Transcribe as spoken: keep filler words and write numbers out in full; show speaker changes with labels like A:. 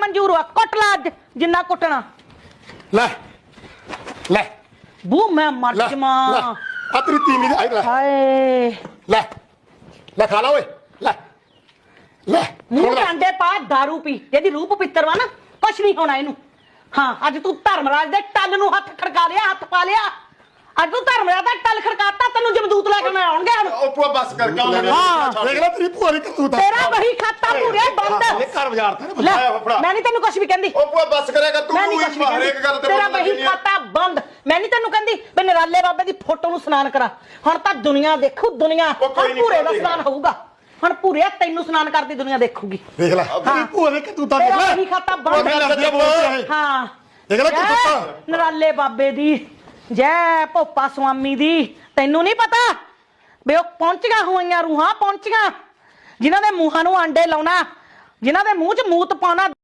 A: मंजूर हुआ कुट ला अज जिन्ना कुटना
B: ਲੈ ਲੈ
A: बू मैं मर
B: ਲੈ
A: जावां
B: ਲੈ ਆ ਤੇਰੀ ਤੀਵੀਂ ਦੀ ਲੈ
A: हाय
B: ਲੈ ਲੈ ਖਾ ਲਾ ਓਏ ਲੈ ਲੈ
A: ਮੂੰਹ ਕਾਂਡੇ ਪਾ दारू ਪੀ ਜਿਹਦੀ ਰੂਪ ਪਿੱਤਰ ਵਾ ਨਾ ਕੁਛ ਨਹੀਂ ਹੋਣਾ ਇਹਨੂੰ ਹਾਂ ਅੱਜ ਤੂੰ ਧਰਮਰਾਜ ਦੇ ਟੱਲ ਨੂੰ ਹੱਥ ਖੜਕਾ ਲਿਆ ਹੱਥ ਪਾ ਲਿਆ ਅੱਜ ਤੂੰ ਧਰਮਰਾਜ ਦਾ ਟੱਲ ਖੜਕਾਤਾ ਤੈਨੂੰ ਜਮਦੂਤ ਲੈ ਕੇ ਮੈਂ ਆਉਣਗੇ ਹੁਣ
C: ਉਹ ਪੂਆ ਬਸ ਕਰ ਕਿਉਂ ਲੈਣੇ
B: ਦੇਖ ਲੈ ਤੇਰੀ ਭੂਆ ਦੀ ਕਰਤੂਤ
A: ਤੇਰਾ ਵਹੀ ਖਾਤਾ ਪੂਰੇ ਬੰਦ
B: ਇਹ ਘਰ ਬਾਜ਼ਾਰ ਤੇ
A: ਲੈ ਮੈਂ ਨਹੀਂ ਤੈਨੂੰ ਕੁਛ ਵੀ ਕਹਿੰਦੀ
C: ਉਹ ਪੂਆ ਬਸ ਕਰੇਗਾ ਤੂੰ
A: ਮੈਂ ਨਹੀਂ
C: ਹੀ
A: ਕੁਛ ਵੀ ਕਹਿੰਦੀ
C: ਹਰੇਕ ਗੱਲ ਤੇ
A: ਤੇਰਾ
C: ਬੋਲਣ
A: ਵਹੀ
C: ਲੱਗੀ ਆ।
A: ਖਾਤਾ ਬੰਦ ਮੈਂ ਨਹੀਂ ਤੈਨੂੰ ਕਹਿੰਦੀ ਵੀ ਨਰਾਲੇ ਬਾਬੇ ਦੀ ਫੋਟੋ ਨੂੰ ਸਨਾਨ ਕਰਾ ਹੁਣ ਤਾਂ ਦੁਨੀਆ ਦੇਖੂ ਦੁਨੀਆ
C: ਉਹ ਕੋਈ
A: ਹੁਣ
C: ਨੀ
A: ਪੂਰੇ ਦਾ
C: ਕਰਦੀ।
A: ਸਨਾਨ ਹੋਊਗਾ ਹੁਣ ਪੂਰੇ ਤੈਨੂੰ ਸਨਾਨ ਕਰਦੀ ਦੁਨੀਆ ਦੇਖੂਗੀ
B: ਦੇਖ ਲੈ ਤੇਰੀ ਭੂਆ ਦੀ ਕਰਤੂਤਾਂ ਦੇਖ
A: ਤੇਰਾ
B: ਲੈ
A: ਵਹੀ ਖਾਤਾ
B: ਉਹ
A: ਬੰਦ
B: ਗੱਲ ਸੱਚੀ ਬੋਲਦੀ ਹੈ
A: ਹਾਂ
B: ਦੇਖ ਲੈ
A: ਜੈ
B: ਕਰਤੂਤਾਂ
A: ਨਰਾਲੇ ਬਾਬੇ ਦੀ ਜੈ ਭੋਪਾ ਸੁਆਮੀ ਦੀ ਤੈਨੂੰ ਨਹੀਂ ਪਤਾ ਵੀ ਉਹ ਪਹੁੰਚੀਆਂ ਹੋਈਆਂ ਰੂਹਾਂ ਪਹੁੰਚੀਆਂ ਜਿਨ੍ਹਾਂ ਦੇ ਮੂੰਹਾਂ ਨੂੰ ਆਂਡੇ ਲਾਉਣਾ ਜਿਨ੍ਹਾਂ ਦੇ ਮੂੰਹ 'ਚ ਮੂਤ ਪਾਉਣਾ